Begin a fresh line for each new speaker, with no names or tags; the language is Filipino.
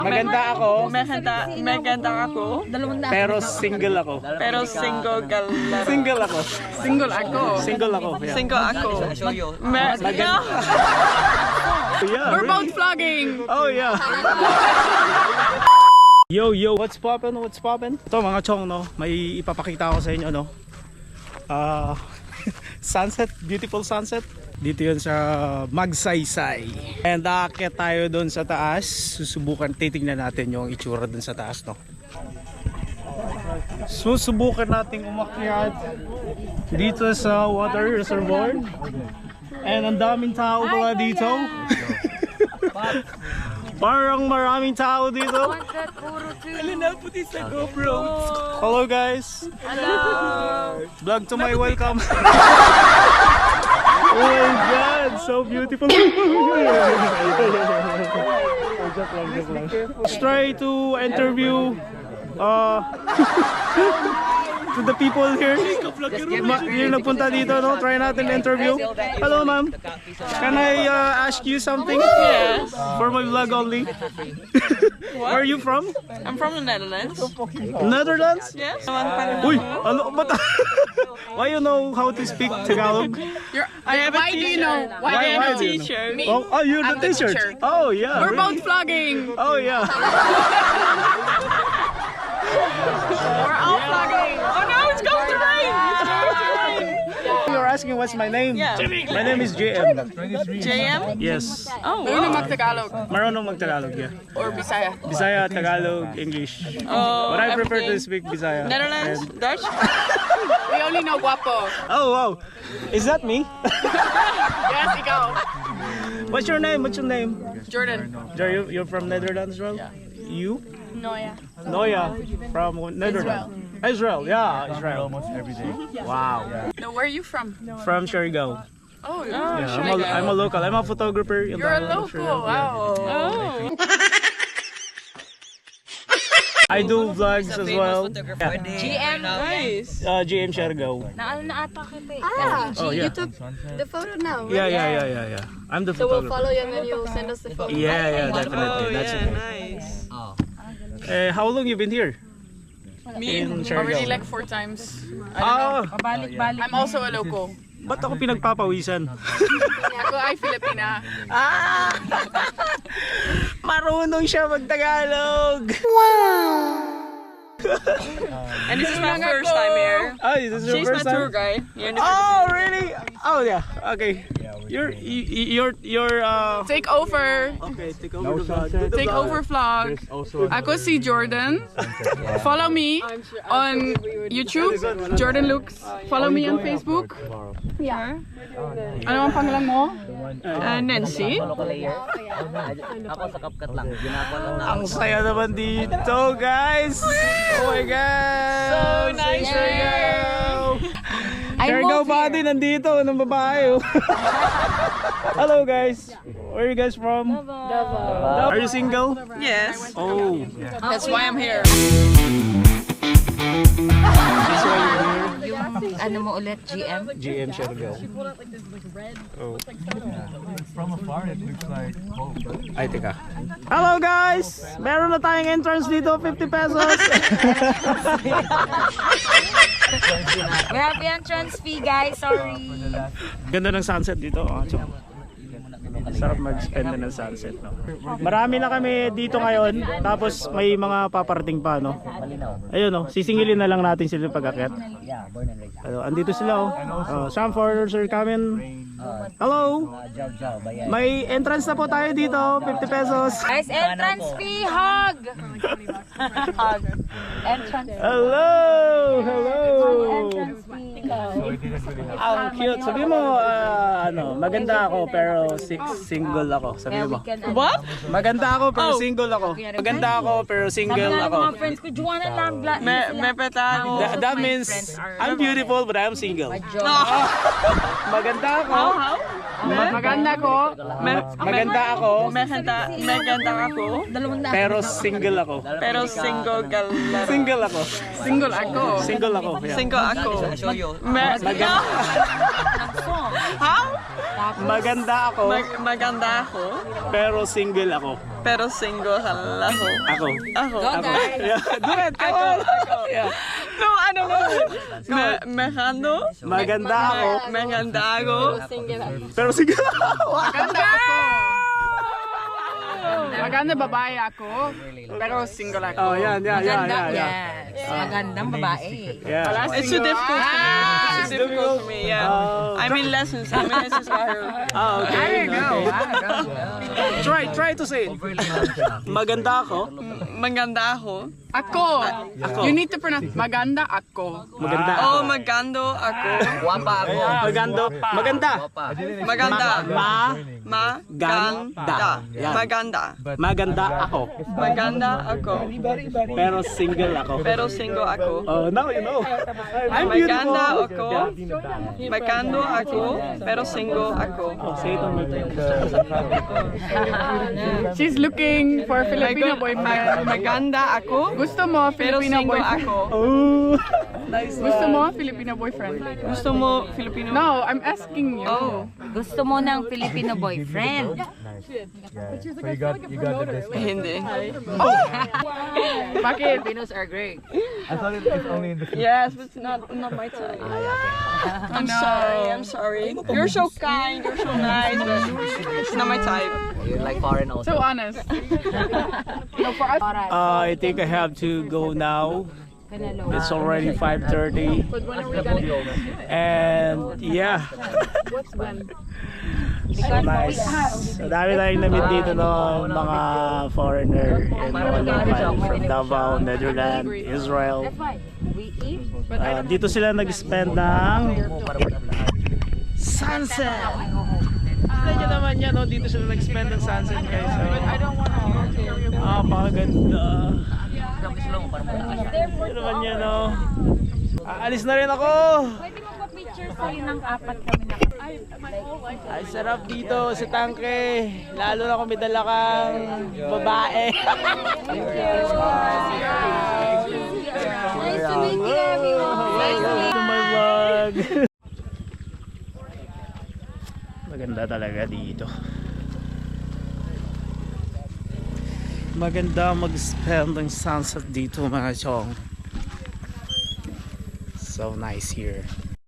Maganda ako.
Maganda ako.
Pero single ako.
Pero single ka lang.
Single ako.
Single ako.
Single ako. Yeah.
Single ako.
Yeah,
We're
really?
both vlogging.
Oh yeah. Yo, what's poppin'? What's poppin'? Ito mga chong, no? May ipapakita ko sa inyo, no? Sunset, beautiful sunset. Dito yun sa Magsaysay. And aakyat tayo doon sa taas. Susubukan, titingnan natin yung itsura doon sa taas, no? Susubukan natin umakyat dito sa water reservoir. And ang daming tao pala dito. Parang maraming tao dito. Hello guys.
Hello.
Vlog to my welcome. Oh my god, so beautiful. Let's try to interview to the people here. Yung nagpunta dito, no? Try natin interview. Hello ma'am. Can I ask you something?
Yes.
For my vlog only. Where are you from?
I'm from the Netherlands.
Netherlands?
Yes.
Uy, ano ba? Why you know how to speak Tagalog?
Why do you know? Why do you know? Teacher.
Oh, you're the teacher. Oh yeah.
We're
really?
both vlogging.
Oh yeah.
We're all vlogging. Oh no, it's going to rain. It's going to rain.
You're asking what's my name?
Yeah.
My name is JM.
JM?
Yes.
Oh, wow.
Marunong mag-Tagalog, yeah.
Or Bisaya.
Bisaya, Tagalog, English.
Oh,
But I prefer to
everything.
speak Bisaya.
Netherlands,
And-
Dutch.
We only know guapo.
Oh wow. Is that me?
Yes, ikaw.
What's your name? What's your name?
Jordan.
You're from Netherlands as well? Yeah. You?
Noya.
Noya. From Netherlands. Israel. Yeah, Israel. Almost every day. Wow.
No, where are you from?
From Surigao.
Oh,
Yeah, I'm a local. I'm a photographer. in
you're a
the-
local.
Yeah.
Wow.
Oh.
I do vlogs as well. Yeah.
GM.
Nice.
GM Surigao.
Naano na ata kita eh.
Oh yeah.
The photo now.
Yeah. I'm the
So we'll
photographer.
follow you and then you'll send us the photo.
Yeah,
Oh,
definitely. That's
yeah,
okay.
nice.
How long you been here?
Me,
In
already
Surigao.
like 4 times.
Ah,
I'm also a local.
ba't ako pinagpapawisan?
Ako ay Filipina.
Marunong siya mag-Tagalog.
And this is my first time here.
Ay, this is your
She's my
first
tour
time?
guide. Here in the
Oh, really? Oh, yeah. Okay. You're
Take over.
okay, take over the vlog. Do the
Take
vlog.
over vlog. Ako si Jordan. Follow me on YouTube, Jordan Looks. Follow me on Facebook. Yeah. Ano ang pangalan mo?
Nancy.
Ako sa CapCut lang. Ginagawa lang na.
Ang saya naman dito, guys. Oh my God.
So nice
Surigao. Surigao body nandito ng babae. Oh. Hello, guys. Where are you guys from? Davao. Are you single?
Yes.
Oh.
That's why I'm here.
That's why you're here.
Ano mo ulit, GM?
GM Surigao. Oh.
From afar, it looks like home.
Ay, teka. Hello guys! Meron na tayong entrance dito, 50 pesos.
We have the entrance fee, guys. Sorry.
Ganda ng sunset dito. Oh, so, sarap mag-spend na ng sunset. No? Marami na kami dito ngayon. Tapos may mga paparating pa. No? Ayun, no? Sisingilin na lang natin sila pag-akyat.
Yeah, born and raised.
Andito sila. Some foreigners are coming. Hello!
Jaw, bayan.
May entrance na po tayo dito. 50 pesos.
Guys, entrance fee, hug! Hug. Entrance
Hello! Hello!
entrance fee.
Ang cute. Sabi mo, maganda ako pero single ako. Sabi mo.
What?
Maganda ako pero single ako. Maganda ako pero single ako.
Mga friends ko, Juana lang.
May peta ako.
That means I'm beautiful but I'm single. Maganda ako.
How?
Maganda ko.
Maganda ako
Maganda ako.
pero single ako.
Pero single ka lang.
Single ako.
Single ako.
Single ako. Yeah.
Single ako.
Maganda.
How?
Maganda ako,
Maganda ako,
pero single ako.
pero single ako.
Ako.
Ako.
Yeah. Do it, come on. Yeah.
No, ano mo? Maganda?
Maganda ako,
Maganda ako.
pero single ako.
Maganda ako. Maganda babae ako, pero single ako.
Oh, yan.
Magandang babae.
Yeah.
It's too difficult for me. It's too difficult for me, yeah.
Oh.
I'm in lessons.
Ah, okay. Try to say it. Maganda ako.
Maganda ako. Ako. You need to pronounce maganda ako.
Maganda ako.
Oh, magando ako.
Maganda.
Maganda.
Maganda. Yan.
Maganda.
Maganda ako.
Maganda ako.
Pero single ako.
Pero single ako.
Oh, now you know. I'm
Maganda
beautiful.
ako. Magando ako. Pero single ako.
Oh, say it on my phone.
She's looking for Filipino boyfriend. Maganda ako. Gusto mo Filipino boyfriend? Ako.
Oh, nice one.
Gusto mo Filipino boyfriend? Gusto mo Filipino? No, I'm asking you. Oh.
Gusto mo ng Filipino boyfriend?
Yeah. So you got the best.
Hindi. Oh! Bakit?
Filipinos are great.
I thought it's only in the
Yes, but it's not my type. I'm sorry. You're so kind, you're so nice, but it's not my type. So honest. No, for us.
I think I have to go now. It's already 5:30. And yeah. So nice. So dami tayong namit dito no, mga foreigner and mga local from Davao, Netherlands, Israel. Dito sila nag-spend ng sunset. Tignan nyo naman yan, no? Dito sila nag-spend ng sunset guys. So, pakaganda. Tignan naman yan, no? Aalis na rin ako.
Pwede magpa-picture sa'yo ng apat kami na.
Ay, sarap dito sa tangke. Lalo na kung may dala kang babae.
Nice to meet you, everyone.
Welcome to my vlog. Maganda talaga dito. Maganda mag-spend ng sunset dito mga chong. So nice here.